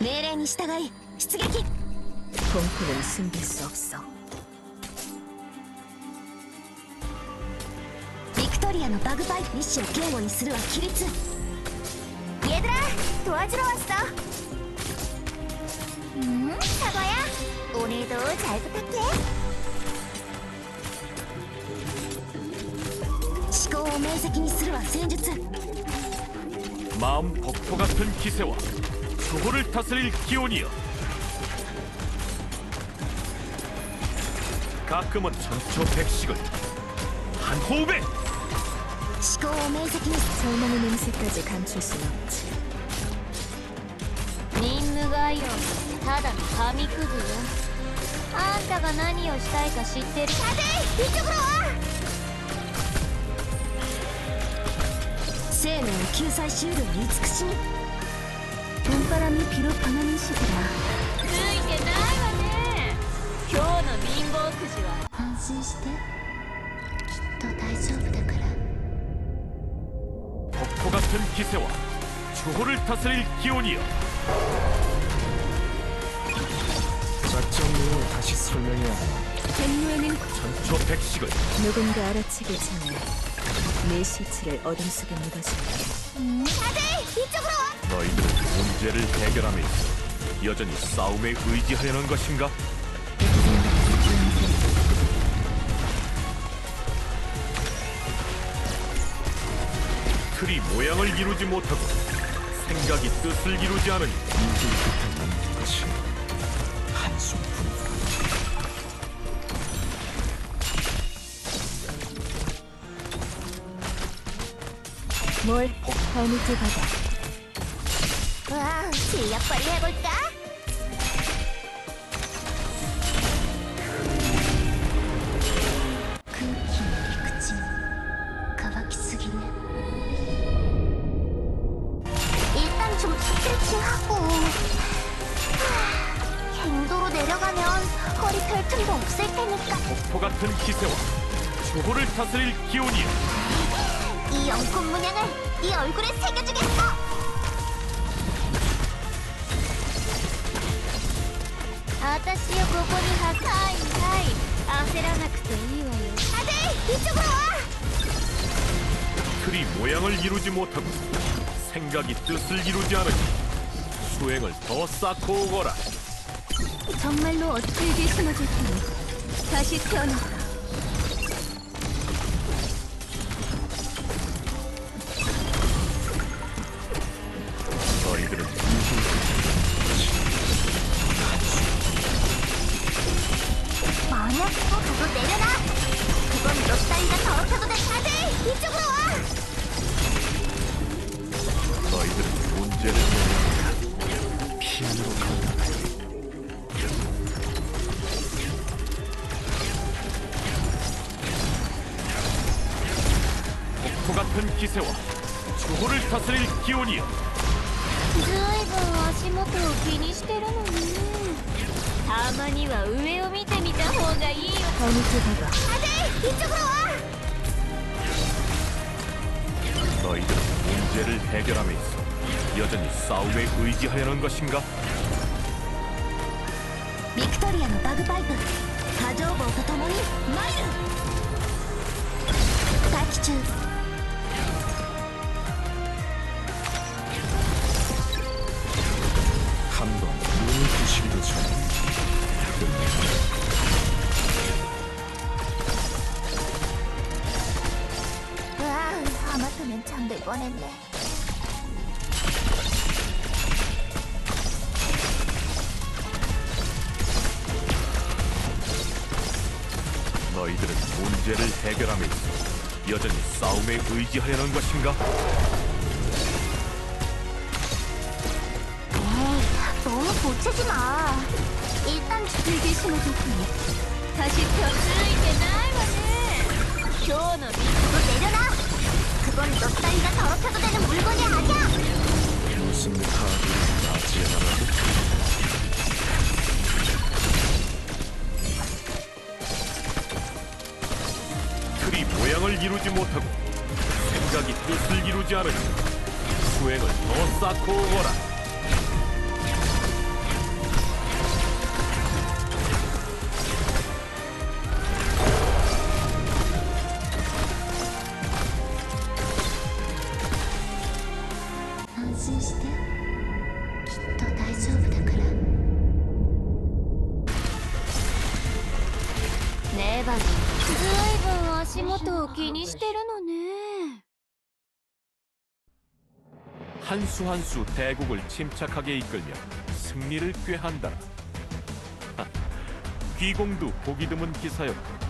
命令に従い出撃。 공포는 숨길 수 없어. ビクトリアのバグパイプ意志を警護にするは規律。 얘들아, 도와주러 왔어. 사과야, 오늘도 잘 부탁해. 思考を明晰にするは戦術。 마음 폭포 같은 기세와 주호를 다스릴 기온이여. 가끔은 천초백식을 한 호흡에. 思考を明晰に 절망의 냄새까지 감출 순 없지. 任務概要ただの紙くずよ。あんたが何をしたいか知ってる。 다들 이쪽으로 와. 生命を救済しうる慈しみ。 봄바람이 비로 변하는 시기라. ついてないわね。今日の貧乏くじは安心してきっと大丈夫だから。 폭포 같은 기세와 주호를 다스릴 기온이여. 작전 내용을 다시 설명해야 하나? 갱로에는 천초백식을 누군가 알아채기 전에 내 시체를 어둠 속에 묻어줄게. 다들 이쪽으로 와. 너희들은 문제를 해결함에 있어 여전히 싸움에 의지하려는 것인가? 틀이 모양을 이루지 못하고 생각이 뜻을 이루지 않으니 인생의 끝에 남는 것이 한숨뿐이다. 뭘 발밑을 받아. 와, 실력 발휘해볼까? 空気の陸地乾きすぎね。 일단 좀 스트레칭하고. 갱도로 내려가면 허리 펼 틈도 없을 테니까. 폭포 같은 기세와 주호를 다스릴 기온이여. 이 영혼 문양을 네 얼굴에 새겨주겠어. 아따시요, ここにはいはい焦らなくていいわよ。 다들 이쪽으로 와. 틀이 모양을 이루지 못하고 생각이 뜻을 이루지 않으니 수행을 더 쌓고 오거라. 정말로 어떻게 심어줄 테니 다시 태어난다. 너희들은 만약 또 내려라. 그건 너 따위가 더럽혀도 돼. 다들 이쪽으로 와. 너희들은 문제를 내는 피안으로 간다. 폭포 같은 기세와 주호를 다스릴 기온이여. ずいぶん足元を気にしてるのに。たまには上を見てみた方がいいよ。 발밑을 받아. 다들 이쪽으로 와. 너희들은 문제를 해결함에 있어 여전히 싸움에 의지하려는 것인가? ビクトリアのバグパイプ波状棒とともに参る。待機中。 한번 눈을 부시기도 전에 와, 하마터면 잠들 뻔했네. 너희들은 문제를 해결함에 있어 여전히 싸움에 의지하려는 것인가? 너무 보채지 마. 일단 길게 심어줄 테니 다시 태어나. ついてないわね。今日の水도 내려놔. 그건 너 따위가 더럽혀도 되는 물건이 아니야. 무슨 카드를 맞이해라고? 틀이 모양을 이루지 못하고 생각이 뜻을 이루지 않으니 수행을 더 쌓고 오거라. ことを気にしてるのね。 한 수 한 수 대국을 침착하게 이끌며 승리를 꾀한다. 귀공도 보기 드문 기사였고